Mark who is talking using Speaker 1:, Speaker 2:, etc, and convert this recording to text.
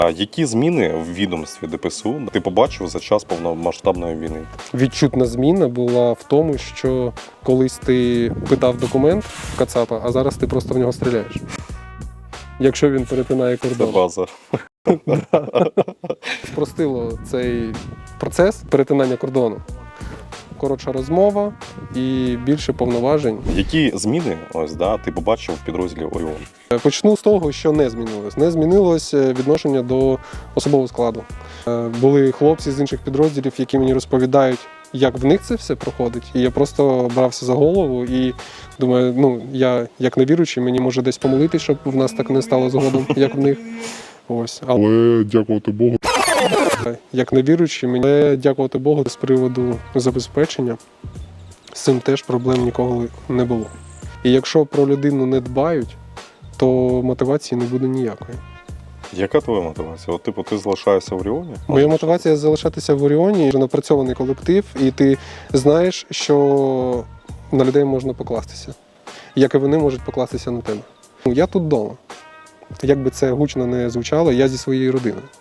Speaker 1: А які зміни в відомстві ДПСУ ти побачив за час повномасштабної війни?
Speaker 2: Відчутна зміна була в тому, що колись ти питав документ в Кацапа, а зараз ти просто в нього стріляєш. Якщо він перетинає
Speaker 1: Це
Speaker 2: кордон.
Speaker 1: база.
Speaker 2: Спростило цей процес перетинання кордону. Коротша розмова і більше повноважень.
Speaker 1: Які зміни ти побачив в підрозділі Оріон?
Speaker 2: Почну з того, що не змінилось. Не змінилось відношення до особового складу. Були хлопці з інших підрозділів, які мені розповідають, як в них це все проходить. І я просто брався за голову і думаю, я як невіруючий, мені може десь помолитись, щоб в нас так не стало згодом, як в них. Ось.
Speaker 3: Але дякувати Богу.
Speaker 2: Як невіруючий, мені дякувати Богу з приводу забезпечення. З цим теж проблем ніколи не було. І якщо про людину не дбають, то мотивації не буде ніякої.
Speaker 1: Яка твоя мотивація? Ти залишаєшся в Оріоні?
Speaker 2: Моя мотивація залишатися в Оріоні, вже напрацьований колектив, і ти знаєш, що на людей можна покластися, як і вони можуть покластися на тебе. Я тут вдома. Як би це гучно не звучало, я зі своєю родиною.